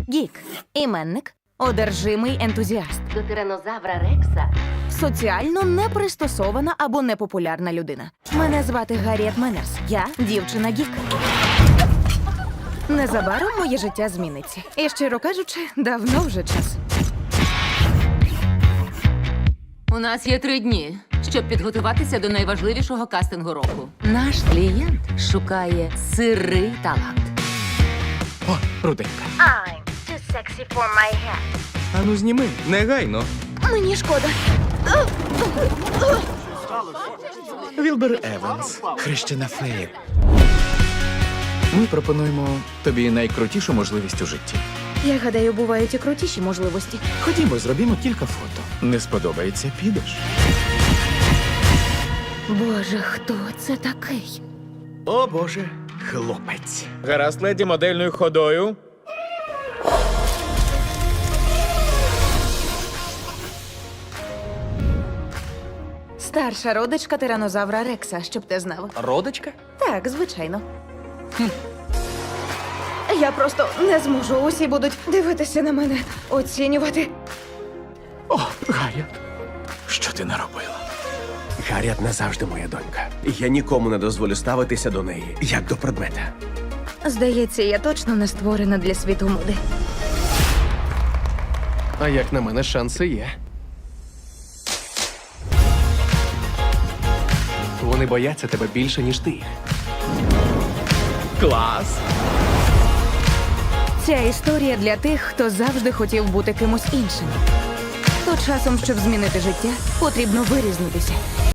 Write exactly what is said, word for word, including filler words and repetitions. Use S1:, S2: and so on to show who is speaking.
S1: Гік. Іменник. Одержимий ентузіаст.
S2: До тиранозавра Рекса
S1: Соціально непристосована або непопулярна людина. Мене звати Гарріет Меннерс. Я дівчина Гік. Незабаром моє життя зміниться. І, щиро кажучи, давно вже час.
S3: У нас є три дні, щоб підготуватися до найважливішого кастингу року. Наш клієнт шукає сирий талант.
S4: О, руденька.
S1: I'm too sexy for my head.
S4: Ану зніми, негайно.
S1: Мені шкода.
S4: Вілбер Еванс, хрещена фея. Ми пропонуємо тобі найкрутішу можливість у житті.
S1: Я гадаю, бувають і крутіші можливості.
S4: Ходімо, зробімо кілька фото. Не сподобається, підеш.
S1: Боже, хто це такий?
S4: О, Боже, хлопець. Гаразд, леді, модельною ходою.
S1: Старша родичка тиранозавра Рекса, щоб ти знав.
S4: Родочка?
S1: Так, звичайно. Я просто не зможу. Усі будуть дивитися на мене, оцінювати.
S4: О, Гарріет, що ти наробила?
S5: Гарріет назавжди моя донька. Я нікому не дозволю ставитися до неї, як до предмета.
S1: Здається, я точно не створена для світу моди.
S6: А як на мене, шанси є. Вони бояться тебе більше, ніж ти їх.
S4: Клас!
S1: Ця історія для тих, хто завжди хотів бути кимось іншим. То часом, щоб змінити життя, потрібно вирізнитися.